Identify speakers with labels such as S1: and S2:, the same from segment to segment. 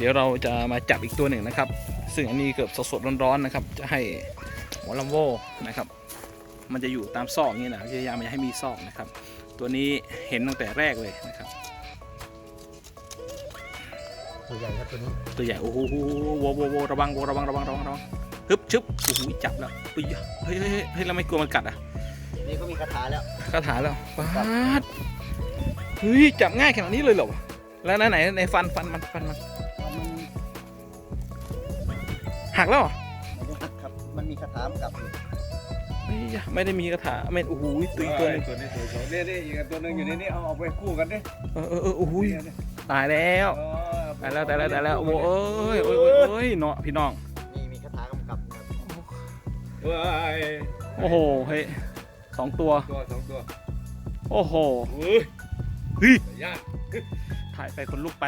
S1: ดี๋ยวเราจะมาจับอีกตัวหนึ่งนะครับซึ่งอันนี้เกือบสดๆร้อนๆนะครับจะให้หัวลัมโบนะครับมันจะอยู่ตามซอกนี่นะพยายามอย่าให้มีซอกนะครับตัวนี้เห็นตั้งแต่แรกเลยนะครับ
S2: ตัวใหญ่ครับตัวนี้
S1: ตัวใหญ่โอ้โหโวระวังฮึบชึบโอ้โหจับแล้วเฮ้ยเราไม่กลัวมันกัดอ่ะ
S2: นี่ก็มีคาถาแล้ว
S1: ป๊าดเฮ้ยจับง่ายขนาดนี้เลยเหรอแล้วไหนในฟันมันหักแล้วเหรอ
S2: ครับมันมีคาถากลับ
S1: ไม่ได้มีคาถาไม่โอ้โหตัวนึง
S3: นี่อีกตัวนึงอยู่นี่เอาไปคู่กันดิ
S1: โอ้โหตายแล้วโอ้ยเนาะพี่น้อง
S2: มีคาถากำกับ
S1: โอ้โหเฮ้ยสองตัวโอ้โหเฮ้ยถ่ายไปคนลุกไป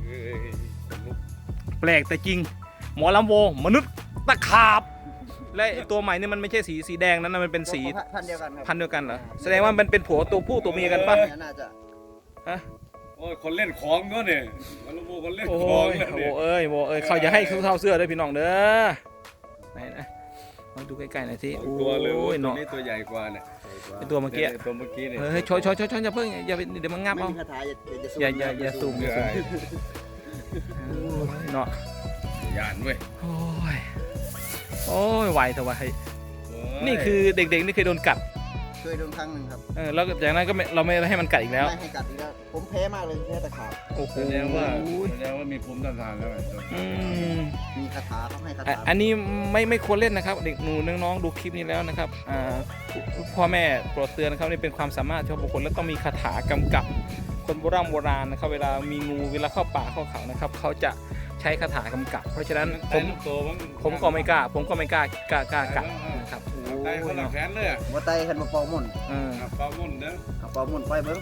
S1: แปลกแต่จริงหมอลำโวมนุษย์ตะขาบและตัวใหม่นี่มันไม่ใช่สีแดงนั้นมันเป็นสี
S2: พันเดียวกัน
S1: เหรอแสดงว่ามันเป็นผัวตัวผู้ตัวเมียกันป่ะ
S2: น่าจะ
S3: ฮะโอ้ยคนเล่นของก็เนี่ยมันลูกคนเล่นของ
S1: โว้ยเขาอย่าให้เขาเท่าเสื้อด้วยพี่น้องเด้อไหนนะมาดูใกล้ๆหน่อยสิโอ้ยเนาะ
S3: นี่ตัวใหญ่กว่าเนี่ย
S1: ตัวเมื่อกี้เนี่ยเฮ้ยชอยอย่าเพิ่งอย่าเดี๋ยวมันงับเอาอย่าซูมเนาะ
S3: ย่านเว้ย
S1: โอ้ยไวแต่ว่านี่คือเด็กๆนี่เคยโดนกัด
S2: เคยโดนครั้งหนึ่งครับ
S1: แล้วจากนั้นก็เราไม่ให้มันกัดอีกแล้ว
S2: ไม่ให้กัดอีกแล้วผมแพ้มากเลยแพ้ตะขาบ
S1: โอ้โห
S3: แสดงว่ามีภูมิต้านทานแล้ว
S2: มีคาถาเขาให้คาถา
S1: อันนี้ไม่ควรเล่นนะครับเด็กหนูน้องๆดูคลิปนี้แล้วนะครับพ่อแม่โปรดเตือนนะครับนี่เป็นความสามารถเฉพาะบุคคลและต้องมีคาถากำกับคนโบราณนะครับเวลามีงูเวลาเข้าป่าเข้าเขานะครับเขาจะใช้คาถากำกับเพราะฉะนั้นผมก็ไม่กล้ากัดนะครับ
S3: ไตคนละแขนเลย
S2: ว่าไตขันมาเป่ามุ่น
S3: เป่ามุ่นเด้อ
S2: เป่ามุ่นไปเบิ้ง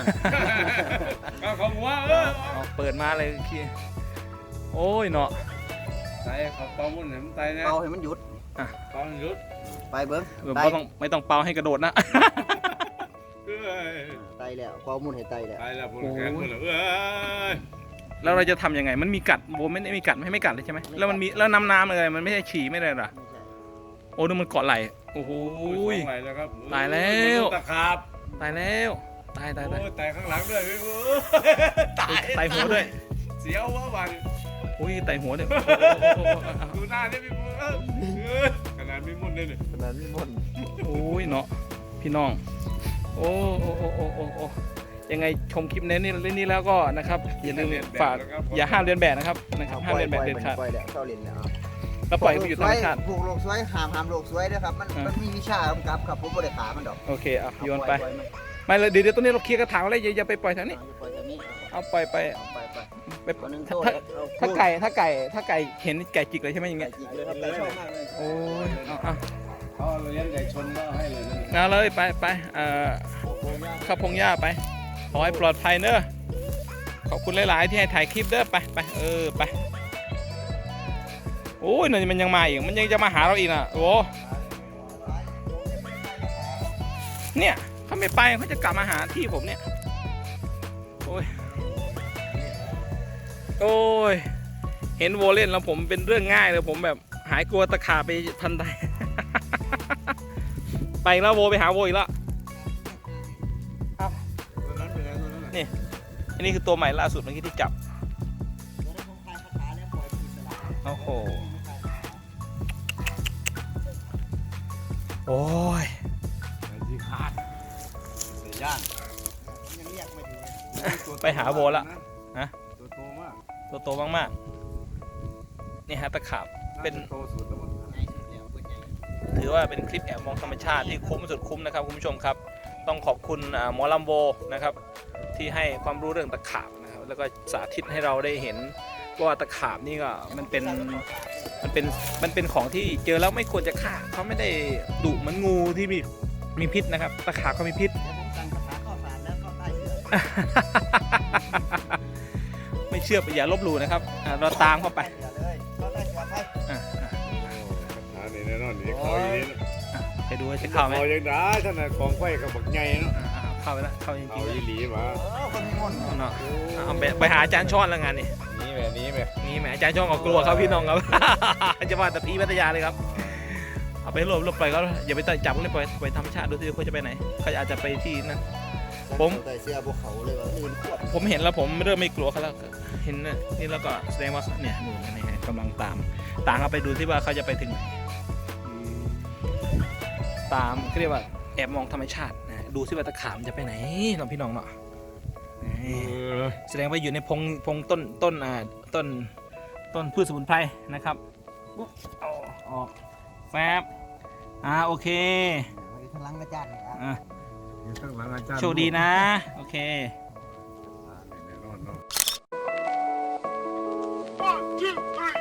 S3: ของหัว
S1: เปิดมาเลยขี้โอ้ยเนาะ
S3: ไตเขาเป่ามุ่นเห็นไตเนี่ย
S2: เป่าให้มันหยุด
S3: เป่าให้หยุด
S2: ไปเบิ้ง
S1: ไม่ต้องเป่าให้กระโดดนะ
S2: ไตแล้วเป่ามุ่นให้ไต
S3: แล้วพวกแขนหมดเลย
S1: แล้วเราจะทำยังไงมันมีกัดโบไม่ได้มีกัดไม่กัดเลยใช่ไหมแล้วมันมีแล้วน้ำอะไรมันไม่ใช่ฉี่ไม่ได้หรอโอ้ดูมันเกาะไหลโอ้โหตายแล้ว
S3: ตะขาบ
S1: ตายแล้วตาย
S3: ตายข้างหลังด้วย
S1: ตายหัวด้วย
S3: เสียววะวัน
S1: อุ้ยตายหัวเนี่ย
S3: ดูหน้าเนี่ยพี่ขนาดไม่มุ่นเลย
S2: ขนาดไม่มุ่น
S1: โอ้ยเนาะพี่น้องโอ้ยังไงชมคลิปนี้แล้วก็นะครับอย่าลืมฝากอย่าห้ามเรียนแบบนะครับห้ามเรียนแบบเด็ดขาดแล้วปล่อยไปอยู่ธรรมชาติ
S2: ผูกโลกสวยห้ามโลกสวยด้วยครับมันมีวิชากำกับครับผมไม่ได้ขามันดอก
S1: โอเคอ่ะโยนไปไม่เลยเดี๋ยวตรงนี้เราเคลียร์กระถางอะไรอย่าไปปล่อยทางนี้เอาปล่อยไปถ้าไก่เห็นไก่จิกเลยใช่ไหมอย่างเงี้ยโอ้ย
S3: เอาเลี้ยงไก่ชนก็ให้เลย
S1: เอาเลยไปเข้าพงหญ้าไปขอให้ปลอดภัยเนอะขอบคุณหลายๆที่ให้ถ่ายคลิปเด้อไปไปโอ้ยนี่มันยังมาอีกมันยังจะมาหาเราอีกนะโอ้เนี่ยเขาไม่ไปเขาจะกลับมาหาที่ผมเนี่ยโอ้ยเห็นโวเล่นแล้วผมเป็นเรื่องง่ายเลยผมแบบหายกลัวตะขาบไปทันใดไปแล้วโวไปหาโวอีกแล้วนี่อันนี้คือตัวใหม่ล่าสุดเมื่อกี้ที่จับโอ้โหโอ้ย
S3: ที่ขาดเสียย่าน
S1: ไปหาโบละฮะตัวโตมากนี่ฮะตะขาบเป็นถือว่าเป็นคลิปแอบมองธรรมชาติที่คุ้มสุดคุ้มนะครับคุณผู้ชมครับต้องขอบคุณหมอลำโบนะครับที่ให้ความรู้เรื่องตะขาบนะครับแล้วก็สาธิตให้เราได้เห็นว่าตะขาบนี่ก็มันเป็นของที่เจอแล้วไม่ควรจะฆ่าเขาไม่ได้ดุเหมือนงูที่มีพิษนะครับตะขาบเขามีพิษไม่เชื่ออย่าลบหลู่นะครับเราตามเข้าไป
S3: นี่แน่นอนนี่เขาอย่างนี้
S1: ไปดูว่าจะเข้าไหม
S3: เขาอย่างได้ท่านของไฟกับบักใหญ่เนาะ
S1: เข้าไปแล้วเข้าจ
S3: เอา
S1: ริง
S3: อีหลีมา
S2: คนมีมนต์
S1: ๆเนาะเอาไปหาอาจารย์ช้อนแล้วงานนี่
S3: นี่แบบนี้แบบ
S1: นี่แหมอาจารย์ช้อนก็กลัวครับพี่น้องครับ จะว่าแต่พี่พัทยาเลยครับเอาไปรวบไปก็อย่าไปจับเลยไปธรรมชาติดูสิเขาจะไปไหนเขาอาจจะไปที่นั่น ผม
S2: ใส่เสื้อพวกเขาเลยว่าอื่นขวด
S1: ผมเห็นแล้วผมเริ่มไม่กลัวเขาแล้วเห็นนี่แล้วก็แสดงว่าเนี่ยนู่นนี่ฮะกำลังตามเขาไปดูที่ว่าเขาจะไปถึงไหนตามเรียกว่าแอบมองธรรมชาตินะดูซิว่าตะขาบมันจะไปไหนน้องพี่น้องเนาะนี่แสดงว่าอยู่ในพงต้นพืชสมุนไพรนะครับปุ๊บเอาออกแฟบโอเค
S2: อยู่ข้างหลังอาจารย์นี่ครับ
S1: อ่ะ
S3: ข้างหลังอาจารย์
S1: โชคดีนะโอเค
S3: แน่นอนเนาะ
S4: 1, 2, 3.